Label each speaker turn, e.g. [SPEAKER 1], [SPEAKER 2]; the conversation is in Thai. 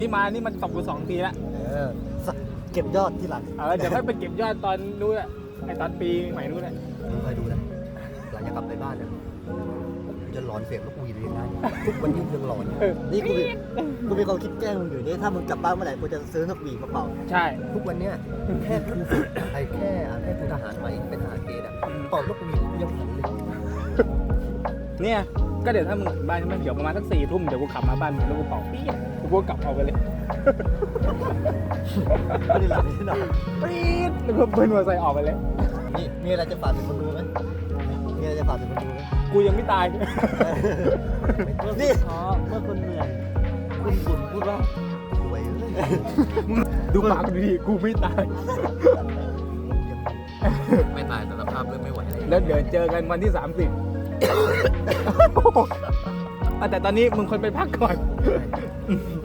[SPEAKER 1] ที่มานี่มันตกอยู่2 ปีแล้ว
[SPEAKER 2] เก็บยอดที่หลัง
[SPEAKER 1] เดี๋ยวให้ไปเก็บยอดตอนนู้นอะไอตอนปีใหม่นู้นอะ
[SPEAKER 2] มึงคอยดูนะหลังจากกลับไปบ้านเนี่ยจะหลอนเสียงลูกหวีดเลยนะทุกวันนี้ยังหลอนนี่กูมีความคิดแกล้งมึงอยู่นี่ถ้ามึงกลับบ้านเมื่อไหร่กูจะซื้อนกหวีดมาเป่า
[SPEAKER 1] ใช่
[SPEAKER 2] ทุกวันเนี้ยแค่ครูฝึกแค่ครูทหารใหม่เป็นทหารเกณฑ์อ่ะเป่านกหวีดยังหันเลย
[SPEAKER 1] เนี่ยก็เดี๋ยวถ้ามึงถึงบ้านใช่ไหมเดี๋ยวประมาณสัก4 ทุ่มเดี๋ยวกูขับมาบ้านมึงแล้วกูเป่าปี๊ดกูก็กลับเอาไปเลย
[SPEAKER 2] ไม่ได้หลับไม่ได้นอน
[SPEAKER 1] ปี๊ดแล้วก็เบิ้ลมอเตอร์ไซค์ออกไปเลย
[SPEAKER 2] นี่มีอะไรจะฝากถึงคนดูไหมมีอะไรจะฝากถึงคนดูไหม
[SPEAKER 1] กูยังไม่ตาย
[SPEAKER 2] นี่เมื่อคนเหนื่อยคุณบุญพูดว่าสวยเลย
[SPEAKER 1] ดูปากกูดีกูไม่ตาย
[SPEAKER 2] ไม่ตายแต่สภาพเริ่มไม่ไหว
[SPEAKER 1] แล้วเดี๋ยวเจอกันวันที่ 30 แต่ตอนนี้มึงคนไปพักก่อน